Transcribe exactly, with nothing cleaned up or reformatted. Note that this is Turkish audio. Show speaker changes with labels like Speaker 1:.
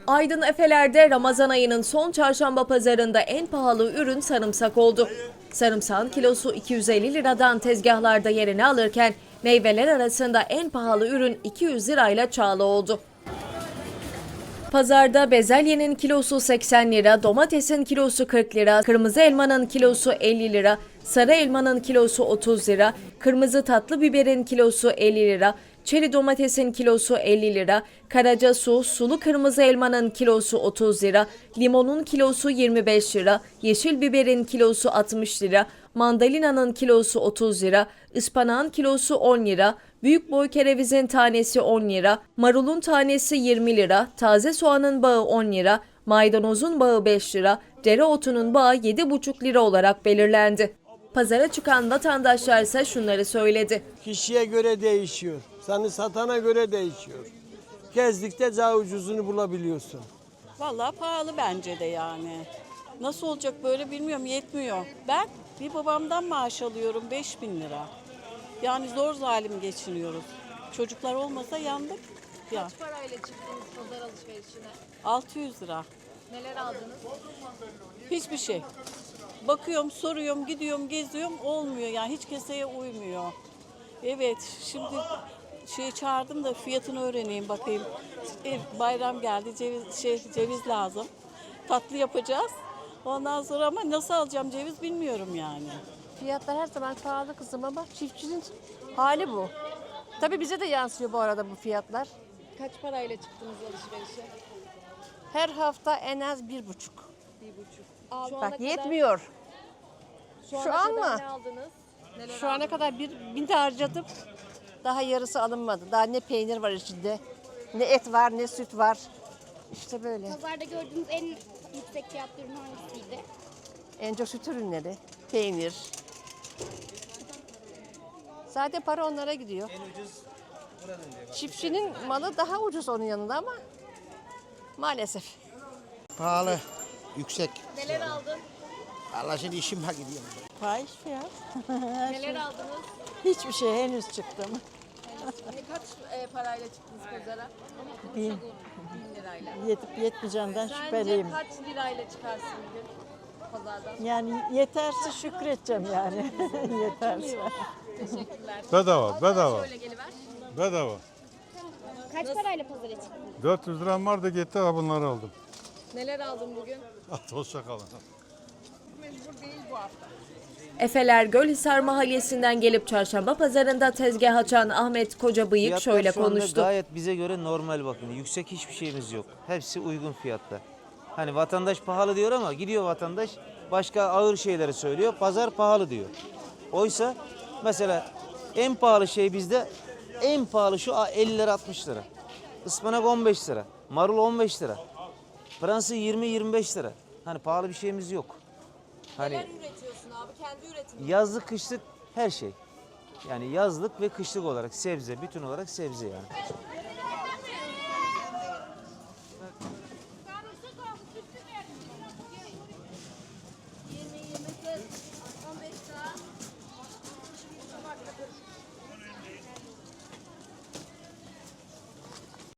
Speaker 1: Aydın Efeler'de Ramazan ayının son çarşamba pazarında en pahalı ürün sarımsak oldu. Sarımsağın kilosu iki yüz elli liradan tezgahlarda yerini alırken meyveler arasında en pahalı ürün iki yüz lirayla çağla oldu. Pazarda bezelyenin kilosu seksen lira, domatesin kilosu kırk lira, kırmızı elmanın kilosu elli lira, sarı elmanın kilosu otuz lira, kırmızı tatlı biberin kilosu elli lira, çeri domatesin kilosu elli lira, karaca su, sulu kırmızı elmanın kilosu otuz lira, limonun kilosu yirmi beş lira, yeşil biberin kilosu altmış lira, mandalinanın kilosu otuz lira, ıspanağın kilosu on lira, büyük boy kerevizin tanesi on lira, marulun tanesi yirmi lira, taze soğanın bağı on lira, maydanozun bağı beş lira, dereotunun bağı yedi buçuk lira olarak belirlendi. Pazara çıkan vatandaşlar ise şunları söyledi.
Speaker 2: Kişiye göre değişiyor. Seni satana göre değişiyor. Gezdikçe daha ucuzunu bulabiliyorsun.
Speaker 3: Vallahi pahalı bence de yani. Nasıl olacak böyle bilmiyorum, yetmiyor. Ben bir babamdan maaş alıyorum beş bin lira. Yani zor zalim geçiniyoruz. Çocuklar olmasa yandık. Ya.
Speaker 4: Kaç parayla çıktınız pazar alışverişine?
Speaker 3: altı yüz lira.
Speaker 4: Neler aldınız?
Speaker 3: Hiçbir şey. Bakıyorum, soruyorum, gidiyorum, geziyorum, olmuyor yani hiç keseye uymuyor. Evet, şimdi şey çağırdım da fiyatını öğreneyim bakayım. E, bayram geldi, ceviz şey ceviz lazım. Tatlı yapacağız. Ondan sonra ama nasıl alacağım ceviz bilmiyorum yani.
Speaker 5: Fiyatlar her zaman pahalı kızım ama çiftçinin hali bu. Tabii bize de yansıyor bu arada bu fiyatlar.
Speaker 4: Kaç parayla çıktınız alışverişe?
Speaker 5: Her hafta en az bir buçuk.
Speaker 4: Bir buçuk. Şu ana
Speaker 5: Bak
Speaker 4: kadar-
Speaker 5: yetmiyor.
Speaker 4: Şu,
Speaker 5: şu
Speaker 4: ana
Speaker 5: an
Speaker 4: kadar
Speaker 5: mı?
Speaker 4: ne aldınız? Neler
Speaker 5: Şu ana
Speaker 4: aldınız?
Speaker 5: kadar bir bin de harcadım. Daha yarısı alınmadı. Daha ne peynir var içinde, ne et var, ne süt var. İşte böyle.
Speaker 6: Pazarda gördüğünüz en yüksek fiyatlı ürün hangisiydi?
Speaker 5: En çok süt ürünleri, peynir. Zaten para onlara gidiyor. Çiftçinin malı daha ucuz onun yanında ama maalesef.
Speaker 7: Pahalı, yüksek.
Speaker 4: Neler aldın?
Speaker 7: Allah şimdi işim var gidiyor.
Speaker 8: Fahiş fiyat.
Speaker 4: Neler aldınız?
Speaker 8: Hiçbir şey henüz çıktım.
Speaker 4: Ne kaç e, parayla çıktınız pazara?
Speaker 8: Bin.
Speaker 4: Bin lirayla.
Speaker 8: Yetip yetmeyeceğinden
Speaker 4: Sence
Speaker 8: şüpheliyim.
Speaker 4: kaç lirayla çıkarsın bugün pazardan?
Speaker 8: Yani yeterse şükredeceğim yani. Yeterse.
Speaker 4: Teşekkürler.
Speaker 9: Bedava, bedava,
Speaker 4: Şöyle geliver.
Speaker 9: bedava.
Speaker 6: Kaç parayla pazara çıktınız?
Speaker 9: dört yüz liram vardı gitti, ha bunları aldım.
Speaker 4: Neler aldın bugün?
Speaker 9: Hadi hoşça kalın.
Speaker 1: Efeler Gölhisar Mahallesi'nden gelip çarşamba pazarında tezgah açan Ahmet Kocabıyık
Speaker 10: Fiyatlar
Speaker 1: şöyle
Speaker 10: şu anda
Speaker 1: konuştu.
Speaker 10: gayet bize göre normal bakın. Yüksek hiçbir şeyimiz yok. Hepsi uygun fiyatta. Hani vatandaş pahalı diyor ama gidiyor vatandaş başka ağır şeyleri söylüyor. Pazar pahalı diyor. Oysa mesela en pahalı şey bizde en pahalı şu elli lira altmış lira. Ispanak on beş lira. Marul on beş lira. Fransa yirmi yirmi beş lira. Hani pahalı bir şeyimiz yok. Hani
Speaker 4: Neler üretiyorsun abi? Kendi üretimin.
Speaker 10: yazlık kışlık her şey. Yani yazlık ve kışlık olarak sebze, bütün olarak sebze yani.